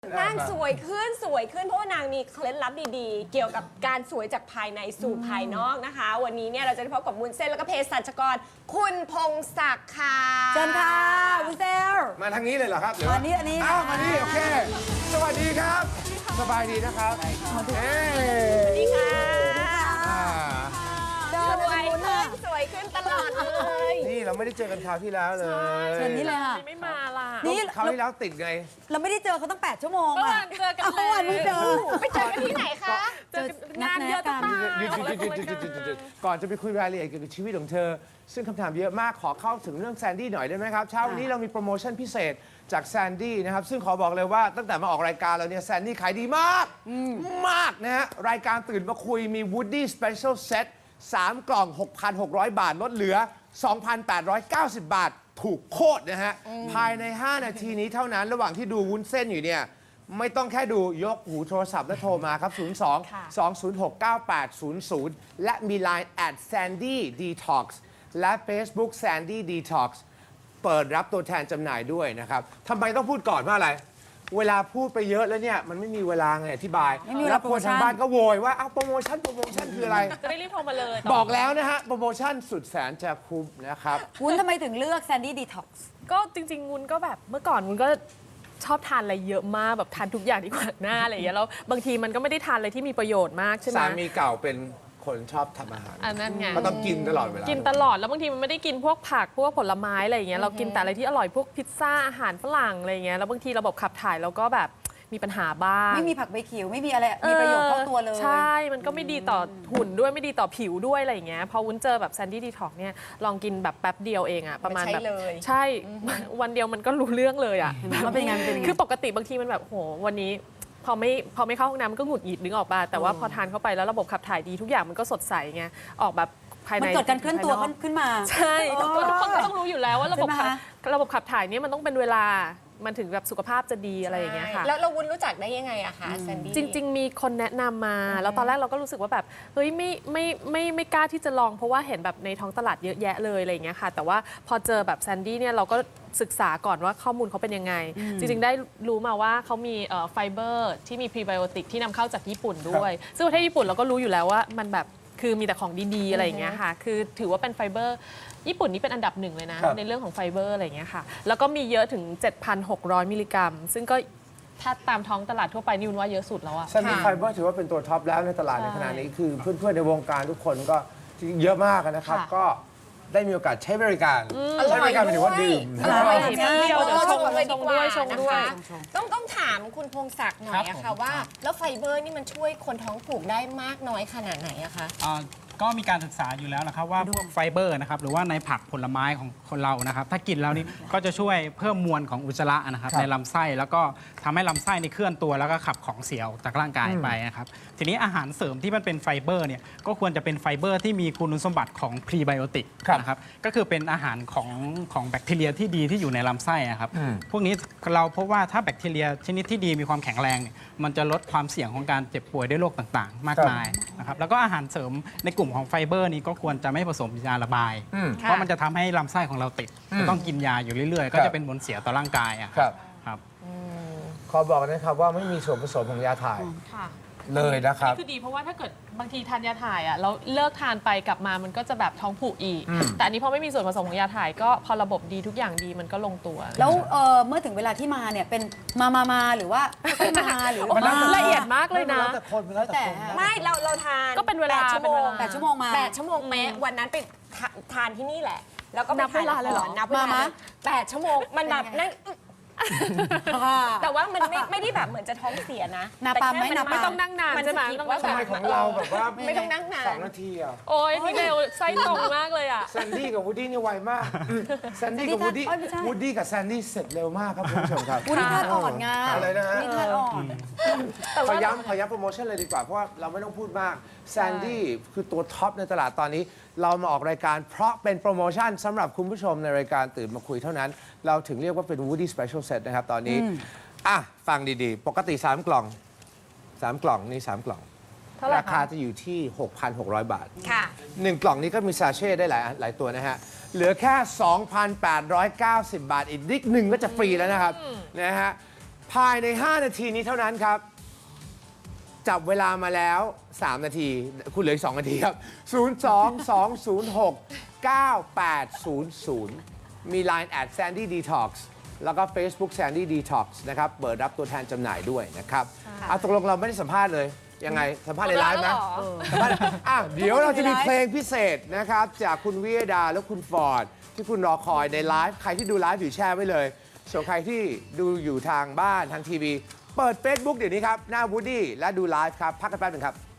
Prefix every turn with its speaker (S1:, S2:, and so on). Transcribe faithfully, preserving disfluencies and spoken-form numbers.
S1: นางสวยขึ้นสวยขึ้นเพราะว่านางมีเคล็ดลับดีๆ เกี่ยวกับการสวยจากภายในสู่ภายนอกนะคะ วันนี้เนี่ยเราจะได้พบกับวุ้นเส้นแล้วก็เภสัชกรคุณพงศักดิ์ค่ะ
S2: เชิญค่ะวุ้นเส้น
S3: มาทางนี้เลยเหรอครับหรือ
S2: มานี่อันนี้
S3: อ้าวมานี่โอเค สวัสดีครับ สบายดีนะครับเอ้
S1: สวัสดีค่ะ
S3: อ่า
S2: เดิน
S1: ส
S2: ไป
S1: วย
S2: วุ้น
S1: ขึ้
S2: น่ะ
S1: นสวยขึ้นตลอดเลย
S3: นี่เราไม่ได้เจอกันคราวที่แล้วเลย
S2: เชิญนี่เลยค่ะ
S4: ไม่มาล่ะ
S2: นี่
S3: คราวที่แล้วติดไง
S2: เราไม่ได้เจอเขาตั้งแปดชั่วโมง
S4: เมื่อ
S2: อะ
S4: วานเจอกัน
S2: เมื่อวานไม่เจอ
S1: ไปเจอกันที่ไหนคะ
S4: เจอกันงานเยอะจะตาย
S3: หยุดหยุดหยุดหยุดหยุดหยุดหยุดหยุดหยุดก่อนจะไปคุยรายละเอียดเกี่ยวกับชีวิตของเธอ ซึ่งคำถามเยอะมากขอเข้าถึงเรื่องแซนดี้หน่อยได้ไหมครับเช้าวันนี้เรามีโปรโมชั่นพิเศษจากแซนดี้นะครับซึ่งขอบอกเลยว่าตั้งแต่มาออกรายการเราเนี่ยแซนดี้ขายดีมากมากนะฮะรายการตื่นมาคุยมี Woody Special Set สามกล่อง หกพันหกร้อย บาทลดเหลือ สองพันแปดร้อยเก้าสิบ บาท ถูกโคตรนะฮะภายใน ห้า นาทีนี้เท่านั้นระหว่างที่ดูวุ้นเส้นอยู่เนี่ยไม่ต้องแค่ดูยกหูโทรศัพท์และโทรมาครับ ศูนย์ สอง สอง ศูนย์ หก เก้า แปด ศูนย์ ศูนย์ และมี ไลน์ แอท แซนดี้ ดีท็อกซ์ และ Facebook Sandy Detox เปิดรับตัวแทนจำหน่ายด้วยนะครับทำไมต้องพูดก่อนว่าอะไร เวลาพูดไปเยอะแล้วเนี่ย มันไม่มีเวลาไงอธิบาย
S2: ไม่มีเวลา
S3: แล้วคนทาง
S2: โปรโมชั่น
S3: บ้านก็โวย ว่าอ้าวโปรโมชั่นโปรโมชั่นคืออะไร
S4: จะได้รีบโทรมาเลย
S3: บอกแล้วนะฮะ โปรโมชั่นสุดแสนจะคุ้มนะครับ
S2: วุ้นทำไมถึงเลือกแซนดี้ดีท็อกซ์
S4: ก็จริงๆวุ้นก็แบบเมื่อก่อนวุ้นก็ชอบทานอะไรเยอะมากแบบทานทุกอย่างที่ขวางหน้าอะไรอย่างเงี้ยแล้วบางทีมันก็ไม่ได้ทานอะไรที่มีประโยชน์มากใช่ไหม
S3: สามีเก่าเป็นคนชอบทำอาหาร
S4: อันนั้นไง
S3: ก็ต้องกินตลอดเวลา
S4: กินตลอดแล้วบางทีมันไม่ได้กินพวกผักพวกผลไม้อะไรอย่างเงี้ยเรากินแต่อะไรที่อร่อยพวกพิซซ่าอาหารฝรั่งอะไรอย่างเงี้ยแล้วบางทีระบบขับถ่ายเราก็แบบมีปัญหาบ้าง
S2: ไม่มีผักใบเขียวไม่มีอะไรมีประโยชน์เข้าตัวเลย
S4: ใช่ มันก็ไม่ดีต่อหุ่นด้วยไม่ดีต่อผิวด้วยอะไรอย่างเงี้ยพอวุ้นเจอแบบแซนดี้ดีท็อกเนี่ยลองกินแบบแป๊บเดียวเองอะประมาณแบบ
S1: ใช้เลย
S4: ใช่วันเดียวมันก็รู้เรื่องเลยอะ
S2: มันเป็นยังไงมันเป็นยังไง
S4: คือปกติบางทีมันแบบโหวันนี้พอไม่พอไม่เข้าห้องน้ำมันก็หงุดหงิดนึกออกป่ะแต่ว่าพอทานเข้าไปแล้วระบบขับถ่ายดีทุกอย่างมันก็สดใสไงออกแบบภายใน
S2: มันเกิดการเคลื่อนตัว
S4: ภายก
S2: ขึ้นมา
S4: ใช่ทุกคนทุกคนก็ต้องรู้อยู่แล้วว่าระบบ
S2: ใช่ไหม
S4: ขับ
S2: คะ
S4: ระบบขับถ่ายเนี่ยมันต้องเป็นเวลามันถึงแบบสุขภาพจะดีอะไรอย่างเงี้ยค่ะ
S1: แล้วเราวุ้นรู้จักได้ยังไงอะคะแซนดี้
S4: จริง ๆ มีคนแนะนำมา แล้วตอนแรกเราก็รู้สึกว่าแบบเฮ้ยไม่ไม่ไม่ไม่กล้าที่จะลองเพราะว่าเห็นแบบในท้องตลาดเยอะแยะเลยอะไรอย่างเงี้ยค่ะ แต่ว่าพอเจอแบบแซนดี้เนี่ยเราก็ศึกษาก่อนว่าข้อมูลเขาเป็นยังไง จริง ๆ ได้รู้มาว่าเขามีเอ่อไฟเบอร์ที่มีพรีไบโอติกที่นำเข้าจากญี่ปุ่นด้วย ซึ่งประเทศญี่ปุ่นเราก็รู้อยู่แล้วว่ามันแบบคือมีแต่ของดีๆอะไรอย่างเงี้ยค่ะคือถือว่าเป็นไฟเบอร์ญี่ปุ่นนี่เป็นอันดับหนึ่งเลยนะครับ ในเรื่องของไฟเบอร์อะไรอย่างเงี้ยค่ะแล้วก็มีเยอะถึง เจ็ดพันหกร้อย มิลลิกรัม ซึ่งก็ถ้าตามท้องตลาดทั่วไปนี่วุ้นว่าเยอะสุดแล้วอะ
S3: ซันดี้ไฟเบอร์ถือว่าเป็นตัวท็อปแล้วในตลาดในขณะนี้คือเพื่อนๆในวงการทุกคนก็เยอะมากนะครับ
S4: ค่ะ
S3: ก็ได้มีโอกาสใช้บริการ
S1: อร่
S3: ใช้
S1: อย
S3: บริการหมายถึงว่าดื่ม
S1: อร่อย
S4: อร่อย
S1: จริง
S4: เดี๋ยว
S1: เรา
S4: ช
S1: ช
S4: ง
S1: งเลยดีกว่า
S4: ชงด้วย
S1: นะคะต้องต้องถามคุณพงศักดิ์หน่อยอะค่ะว่า แล้วไฟเบอร์นี่มันช่วยคนท้องผูกได้มากน้อยขนาดไหนอะคะ
S5: อ่าก็มีการศึกษาอยู่แล้วนะครับว่าพวกไฟเบอร์นะครับหรือว่าในผักผลไม้ของคนเรานะครับถ้ากินแล้วนี่ก็จะช่วยเพิ่มมวลของอุจจาระนะครับในลำไส้แล้วก็ทำให้ลำไส้นี่เคลื่อนตัวแล้วก็ขับของเสียออกจากร่างกายไปนะครับทีนี้อาหารเสริมที่มันเป็นไฟเบอร์เนี่ยก็ควรจะเป็นไฟเบอร์ที่มีคุณสมบัติของพรีไบโอติกนะครับก็คือเป็นอาหารของของแบคทีเรียที่ดีที่อยู่ในลำไส้อะครับพวกนี้เราพบว่าถ้าแบคทีเรียชนิดที่ดีมีความแข็งแรงเนี่ยมันจะลดความเสี่ยงของการเจ็บป่วยด้วยโรคต่างๆ มากมายนะครับแล้วก็อาหารเสริมในกลุ่มของไฟเบอร์นี้ก็ควรจะไม่ผสมยาระบาย เพราะมันจะทำให้ลำไส้ของเราติดจะต้องกินยาอยู่เรื่อยๆ ก็จะเป็นผลเสียต่อร่างกายอะ
S3: ครับ
S5: ครับ
S3: ขอบอกนะครับว่าไม่มีส่วนผสมของยาถ่าย
S4: ค่ะ
S3: เลยนะครับ
S4: นี่คือดีเพราะว่าถ้าเกิดบางทีทานยาถ่ายอ่ะแล้วเลิกทานไปกลับมามันก็จะแบบท้องผูกอีก แต่อันนี้พอไม่มีส่วนผสมของยาถ่ายก็พอระบบดีทุกอย่างดีมันก็ลงตัว
S2: แล้วเอ่อเมื่อถึงเวลาที่มาเนี่ยเป็นมามามาหรือว่าไม่มาหรือ
S3: มันแล้วแต่
S4: ละเอียดมากเลยนะ
S3: แล้วแต่คนแล้วแต่คน
S1: ไม่เราเราทาน
S4: ก็เป็นเวลา
S1: แปดชั่วโมง
S2: แปดชั่วโมงมา
S1: แปดชั่วโมงเป๊ะวันนั้นไปทาทานที่นี่แหละ แล้วก็ไป
S4: นับเวลาเลยเหรอ
S1: นับเวลา
S2: มามา
S1: แปดชั่วโมงมันแบบนั่งอึ๊กแต่ว่ามันไม่ไม่ได้แบบเหมือนจะท้องเสียนะ
S2: นับ
S1: แต่
S2: ปาม
S1: แค่
S2: ไหมนับ
S4: ไม่ต้องนั่งนาน
S1: มัน
S4: ใช่ไหม
S1: สะกิด
S4: ต้อง
S1: ว่า
S4: นั่ง
S3: ทำไม
S4: นาน
S3: ของเราแบบว่า
S1: ไม่ต้องนั่งนาน
S3: สองนาทีอ่ะ
S4: โอ้ยพี่เบลไส้ตรงมากเลยอ่ะ
S3: แซนดี้กับวูดดี้นี่ไวมากแซนดี้กับวูดดี้
S2: เอ้ยไม่ใช่
S3: วูดดี้กับแซนดี้เสร็จเร็วมากครับคุณผู้ชมครับ
S2: วุ้นนี่ธาตุอ่อนไง
S3: อะไรนะฮะ
S2: วุ้นนี่ธาตุอ่อน
S3: ขอย้ำขอย้ำโปรโมชั่นเลยดีกว่า เพราะว่าเราไม่ต้องพูดมากแซนดี้คือตัวท็อปในตลาดตอนนี้ เรามาออกรายการเพราะเป็นโปรโมชั่นสำหรับคุณผู้ชมในรายการตื่นมาคุยเท่านั้น เราถึงเรียกว่าเป็น Woody Special Set นะครับตอนนี้อ่ะฟังดีๆ ปกติ สาม กล่อง สาม กล่องนี่ สาม กล่อง
S4: เท่าไหร่คะ
S3: ราคาจะอยู่ที่ หกพันหกร้อย บาท
S1: ค่ะ
S3: หนึ่งกล่องนี้ก็มีซาเช่ได้หลายหลายตัวนะฮะ เหลือแค่ สองพันแปดร้อยเก้าสิบ บาท อีกนิดหนึ่งก็จะฟรีแล้วนะครับนะฮะภายใน ห้า นาทีนี้เท่านั้นครับ จับเวลามาแล้ว สาม นาที คุณเหลืออีก สอง นาทีครับ ศูนย์ สอง สอง ศูนย์ หก เก้า แปด ศูนย์ ศูนย์ มี ไลน์ แอท Sandy Detox แล้วก็ Facebook Sandy Detox นะครับ เปิดรับตัวแทนจำหน่ายด้วยนะครับเอาตกลงเราไม่ได้สัมภาษณ์เลย ยังไง สัมภาษณ์ในไลฟ์ไหมสัมภาษณ์อ่ะเดี๋ยวเราจะมีเพลงพิเศษนะครับ จากคุณวิยดาและคุณฟอร์ด ที่คุณรอคอยในไลฟ์ ใครที่ดูไลฟ์อยู่แชร์ไว้เลย ส่วนใครที่ดูอยู่ทางบ้านทางทีวี เปิด Facebook เดี๋ยวนี้ครับ หน้า Woody และดูไลฟ์ครับ พักกันแป๊บหนึงครับ